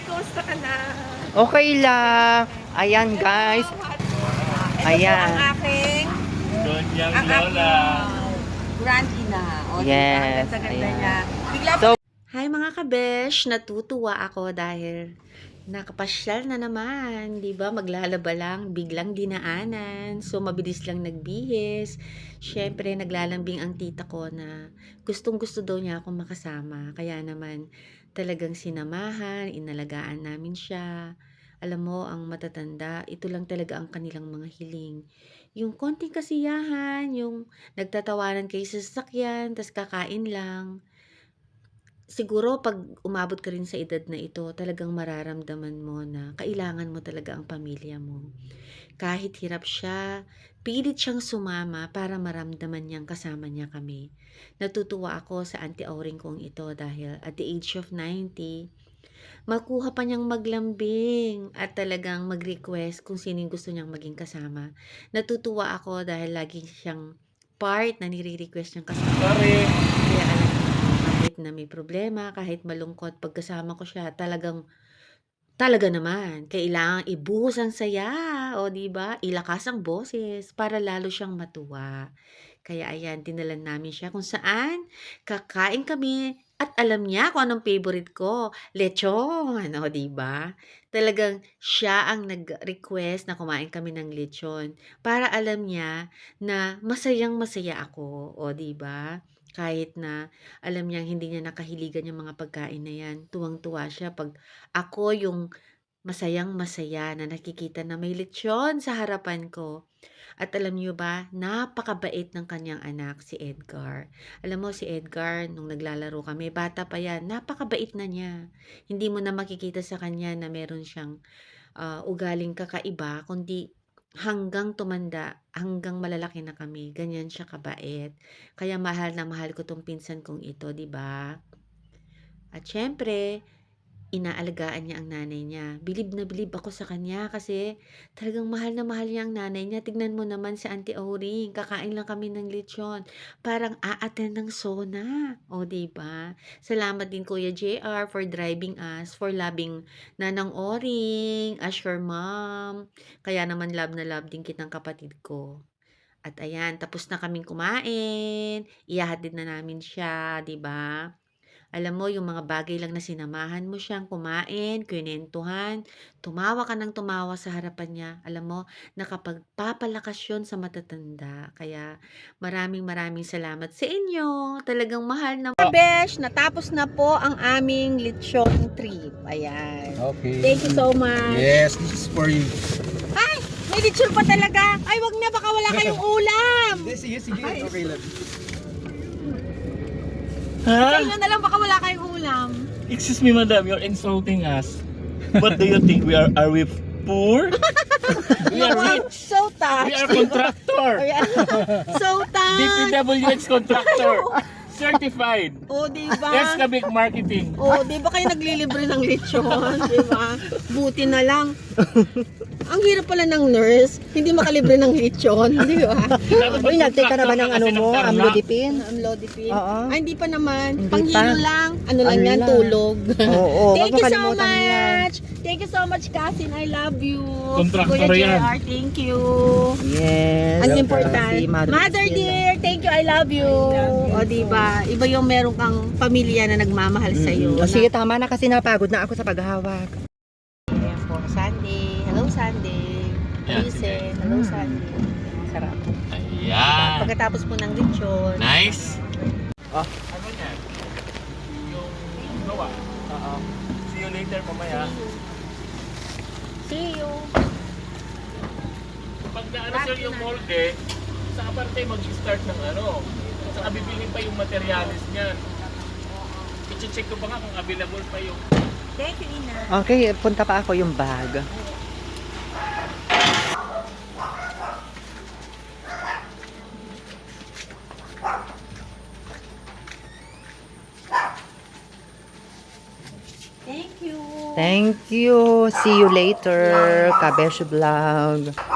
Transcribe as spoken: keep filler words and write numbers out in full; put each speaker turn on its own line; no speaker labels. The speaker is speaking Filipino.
kumusta ka na?
Okay lang. Ayan, guys.
Ito
Ayan.
po ang aking,
Donyang
ang
Lola.
aking grand ina. O,
Yes,
diba? Ang ganda-ganda
ayan.
niya. Bigla
So,
Hi mga kabesh, natutuwa ako dahil nakapasyal na naman, 'di ba? Maglalaba lang, biglang dinaanan. So mabilis lang nagbihis. Syempre naglalambing ang tita ko na gustong-gusto daw niya akong makasama. Kaya naman talagang sinamahan, inalagaan namin siya. Alam mo, ang matatanda, ito lang talaga ang kanilang mga hiling. Yung konting kasiyahan, yung nagtatawanan kayo sa sasakyan, tas kakain lang. Siguro 'pag umabot ka rin sa edad na ito, talagang mararamdaman mo na kailangan mo talaga ang pamilya mo. Kahit hirap siya, pilit siyang sumama para maramdaman niyang kasama niya kami. Natutuwa ako sa Auntie Auring kong ito dahil at the age of ninety, makuha pa niyang maglambing at talagang mag-request kung sino yung gusto niyang maging kasama. Natutuwa ako dahil lagi siyang part na nire-request niyang kasama.
Sorry.
Kaya alam mo, kahit na may problema, kahit malungkot, pagkasama ko siya, talagang, talaga naman, kailangang ibuhos ang saya, o di ba? Ilakas ang boses para lalo siyang matuwa. Kaya ayan, dinalan namin siya kung saan kakain kami at alam niya kung anong favorite ko, lechon, o di ba? Talagang siya ang nag-request na kumain kami ng lechon para alam niya na masayang masaya ako, o di ba? Kahit na alam niyang hindi niya nakahiligan yung mga pagkain na yan, tuwang-tuwa siya pag ako yung masayang-masaya na nakikita na may lechon sa harapan ko. At alam niyo ba, napakabait ng kanyang anak, si Edgar. Alam mo, si Edgar, nung naglalaro kami, bata pa yan, napakabait na niya. Hindi mo na makikita sa kanya na meron siyang ah, ugaling kakaiba, kundi hanggang tumanda, hanggang malalaki na kami, ganyan siya kabait. Kaya mahal na mahal ko tong pinsan kong ito, 'di ba? At syempre, inaalagaan niya ang nanay niya. Bilib na bilib ako sa kanya kasi talagang mahal na mahal niya ang nanay niya. Tignan mo naman si Auntie Auring, kakain lang kami ng lechon. Parang aaten ng sona. O, di ba? Salamat din Kuya J R for driving us, for loving Nanang Auring, as your mom. Kaya naman love na love din kitang kapatid ko. At ayan, tapos na kaming kumain. Ihahatid na namin siya, di ba? Alam mo, yung mga bagay lang na sinamahan mo siyang kumain, kwentuhan, tumawa ka ng tumawa sa harapan niya. Alam mo, nakapagpapalakas yun sa matatanda. Kaya maraming maraming salamat sa inyo. Talagang mahal na. Besh, natapos na po ang aming lechon trip. Ayan.
Okay.
Thank you so much.
Yes, this is for you.
Ay, may lechon pa talaga. Ay, wag na, baka wala kayong ulam.
Sige, sige. Okay lang.
Sa
Ha?
inyo na lang, baka wala kayong ulam.
Excuse me, madam, you're insulting us. What do you think? We are are we poor? We are rich.
So touched.
We are contractor.
So
D P
touched.
W H contractor. Certified.
O, diba?
Escabic marketing.
O, di ba kayo naglilibre ng lechon? Di ba? Buti na lang. Ang hirap pala ng nurse, hindi makalibre ng lechon, di ba?
uy, nag-take ka na ba ng ano mo, amlodipine?
Amlodipine.
Oo.
Ay, hindi pa naman.
Hindi
Panghilo
pa.
lang. Ano lang
Ano
yan,
lang.
tulog.
Oo, wag
Thank
mo
you so
kalimutan yan.
much. Thank you so much, Kasin. I love you.
Contractor
Kuya
yan.
J R, thank you.
Yes.
Ang
Si
important.
Mother
Mother
Priscilla.
dear, thank you, I love you. O, diba? Iba yung meron kang pamilya na nagmamahal sa iyo.
Mm-mm. O, sige, tama na kasi napagod na ako sa paghawak.
Ayan po, Sunday. Hello, Sunday.
Yeah,
Listen. Hello, Sunday. Sarap.
Ayan.
Pagkatapos po ng lechon.
Nice.
Ah.
Ano yan? Yung gawa. Oo. See you later mamaya.
See you.
Pag naano sir yung molde, saka pa tayo mag-start ng ano. Saka bibili pa yung materialis niyan. I-check ko pa nga kung available pa yung...
Thank you, Ina.
Okay, punta pa ako yung bag.
Thank you.
Thank you. See you later, Kabesh Vlog.